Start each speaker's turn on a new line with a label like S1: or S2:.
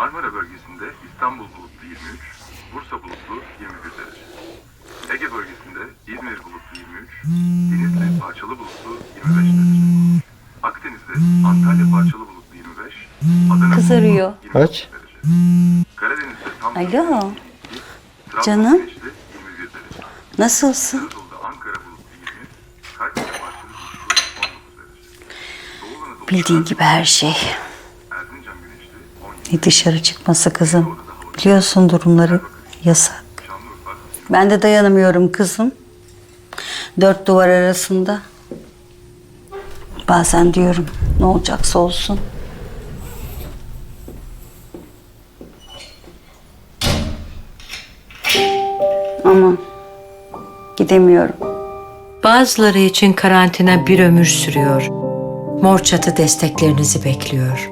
S1: Marmara bölgesinde İstanbul bulutlu 23, Bursa bulutlu 21 derece. Ege bölgesinde İzmir bulutlu 23, Denizli parçalı bulutlu 25 derece. Akdeniz'de Antalya parçalı bulutlu 25, Adana
S2: Kız arıyor.
S1: bulutlu 29
S3: Aç.
S1: derece. Karadeniz'de tam
S2: Alo.
S1: 22,
S2: Canım.
S1: güneşli 21 derece.
S2: Nasılsın?
S1: Anadolu'da Ankara bulutlu 20, Kayseri parçalı bulutlu 19 derece. Doğu Anadolu'da
S2: Bildiğin gibi her şey.
S1: Erzincan güneşli 17,
S2: Ne dışarı çıkması kızım. Biliyorsun durumları yasak.
S1: Şanlıurfa
S2: Ben de dayanamıyorum kızım. Dört duvar arasında. Bazen diyorum ne olacaksa olsun. Ama gidemiyorum.
S4: Bazıları için karantina bir ömür sürüyor. Mor Çatı desteklerinizi bekliyor.